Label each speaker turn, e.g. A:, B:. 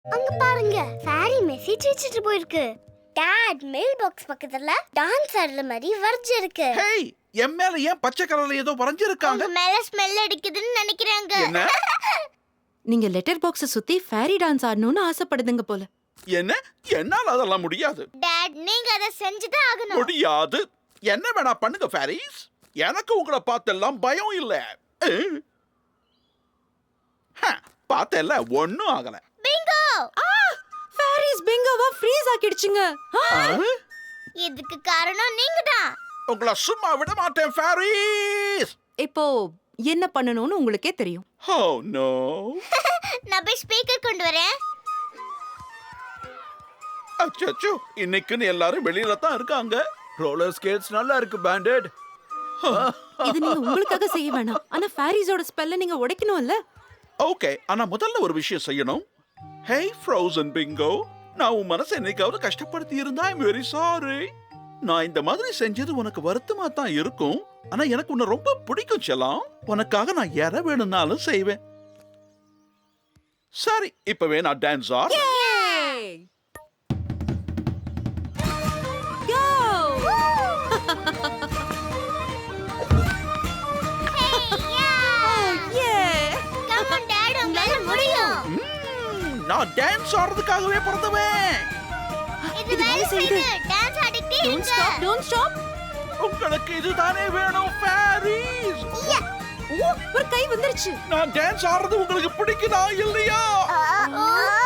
A: அங்க பாருங்க, fairy message வச்சிட்டு போயிருக்கு. டாட், மெயில் பாக்ஸ் பக்கத்துல டான்ஸ் ஆடுற மாதிரி வர்ஜ் இருக்கு.
B: ஹேய், என் மேல ஏன் பச்சை கலர்ல ஏதோ வரைஞ்சிருக்காங்க?
A: உங்க மேல ஸ்மெல் அடிக்குதுன்னு நினைக்கிறாங்க.
B: என்ன?
C: நீங்க லெட்டர் பாக்ஸ சுத்தி ஃபேரி டான்ஸ் ஆடணும்னு ஆசைப்படுதுங்க போல.
B: என்ன? என்னால அதெல்லாம் முடியாது.
A: டாட், நீங்க அத செஞ்சுதான் ஆகணும்.
B: முடியாது. என்ன வேணா பண்ணுங்க ஃபேரிஸ். எனக்கு உங்களை பார்த்தெல்லாம் பயம் இல்ல. பார்த்தெல்ல, ஒண்ணும் ஆகல.
A: பிங்கோ!
C: ஃபேரிஸ் பிங்கோவா ஃப்ரீஸ் ஆக்கிடுச்சுங்க.
A: இதுக்கு காரணம் நீங்கதான்.
B: உங்களை சும்மா விட மாட்டேன் ஃபேரிஸ்.
C: இப்போ என்ன பண்ணணும்னு உங்களுக்கே தெரியும்.
B: Oh no.
A: நான் போய் ஸ்பீக்கர் கொண்டு வரேன்.
B: அச்சச்சோ, இன்னைக்குன்னு எல்லாரும் வெளியில தான் இருக்காங்க.
D: ரோலர் ஸ்கேட்ஸ் நல்லா இருக்கு பேண்டட்.
C: இது நீங்க உங்களுக்காக செய்ய வேணாம். ஆனா ஃபேரிஸோட ஸ்பெல்ல நீங்க உடைக்கணும்ல.
B: ஓகே, ஆனா முதல்ல ஒரு விஷயம் செய்யணும். Hey frozen bingo, நான் உன் மனசை என்னைக்காவது கஷ்டப்படுத்தி இருந்தா I'm very sorry. நான் இந்த மாதிரி செஞ்சது உனக்கு வருத்தமா தான் இருக்கும். ஆனா எனக்கு உன்னை ரொம்ப பிடிக்கும் செல்லம். உனக்காக நான் எதை வேணும்னாலும் செய்வேன். சரி, இப்பவே நான் டான்ஸ் ஆடுறேன்.
C: Go!
A: Come on, Dad, உங்களால முடியும்.
B: நான் டான்ஸ் ஆடுறதுக்காகவே பிறந்தவன்.
A: இது வேலை செய்யுது. டான்ஸ் ஆடிட்டே இருங்க.
C: Don't stop.
B: உங்களுக்கு இதுதானே வேணும் ஃபேரிஸ்.
C: ஓ, ஒரு கை வந்துருச்சு.
B: நான் டான்ஸ் ஆடுறது உங்களுக்கு பிடிக்குதா இல்லையா?
A: ஓ